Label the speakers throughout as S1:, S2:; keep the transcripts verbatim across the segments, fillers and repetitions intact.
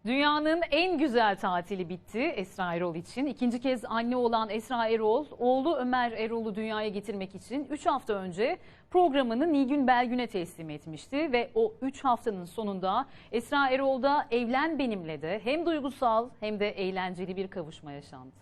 S1: Dünyanın en güzel tatili bitti Esra Erol için. İkinci kez anne olan Esra Erol, oğlu Ömer Erol'u dünyaya getirmek için üç hafta önce programını Nilgün Belgün'e teslim etmişti. Ve o üç haftanın sonunda Esra Erol'da Evlen Benimle de hem duygusal hem de eğlenceli bir kavuşma yaşandı.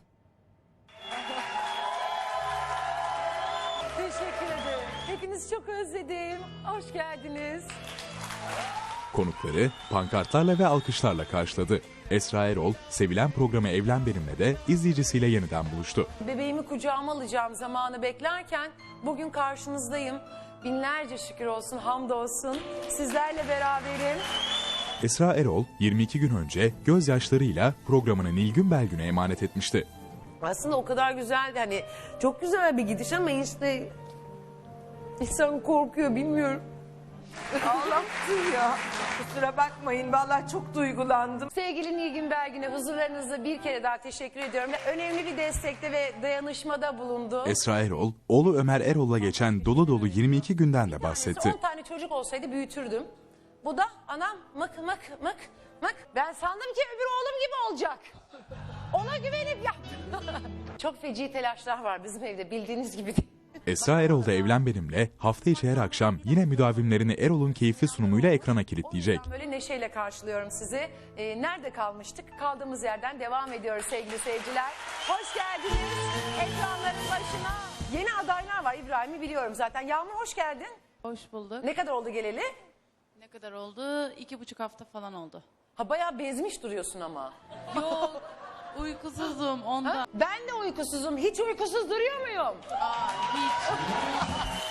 S2: Teşekkür ederim. Hepinizi çok özledim. Hoş geldiniz.
S3: Konukları pankartlarla ve alkışlarla karşıladı. Esra Erol, sevilen programı Evlen Benimle de izleyicisiyle yeniden buluştu.
S2: Bebeğimi kucağıma alacağım zamanı beklerken bugün karşınızdayım. Binlerce şükür olsun, hamdolsun. Sizlerle beraberim.
S3: Esra Erol, yirmi iki gün önce gözyaşlarıyla programını Nilgün Belgün'e emanet etmişti.
S2: Aslında o kadar güzeldi, hani çok güzel bir gidiş ama işte insan korkuyor, bilmiyorum.
S4: Ağlattın ya. Kusura bakmayın, vallahi çok duygulandım.
S2: Sevgili Nilgün Belgün'e huzurlarınızda bir kere daha teşekkür ediyorum. Önemli bir destekte ve dayanışmada bulundu.
S3: Esra Erol, oğlu Ömer Erol'la geçen dolu dolu yirmi iki günden de bahsetti.
S2: on tane çocuk olsaydı büyütürdüm. Bu da anam mık mık mık mık. Ben sandım ki öbür oğlum gibi olacak. Ona güvenip yaptım. Çok feci telaşlar var bizim evde, bildiğiniz gibi değil.
S3: Esra Erol da Evlen Benimle hafta içi her akşam yine müdavimlerini Erol'un keyifli sunumuyla ekrana kilitleyecek.
S2: Böyle neşeyle karşılıyorum sizi. Ee, nerede kalmıştık? Kaldığımız yerden devam ediyoruz sevgili seyirciler. Hoş geldiniz ekranların başına. Yeni adaylar var, İbrahim'i biliyorum zaten. Yağmur hoş geldin.
S5: Hoş bulduk.
S2: Ne kadar oldu geleli?
S5: Ne kadar oldu? İki buçuk hafta falan oldu.
S2: Ha, bayağı bezmiş duruyorsun ama.
S5: Yok, uykusuzum ondan.
S2: Ha? Ben de uykusuzum. Hiç uykusuz duruyor muyum?
S5: Aa, hiç.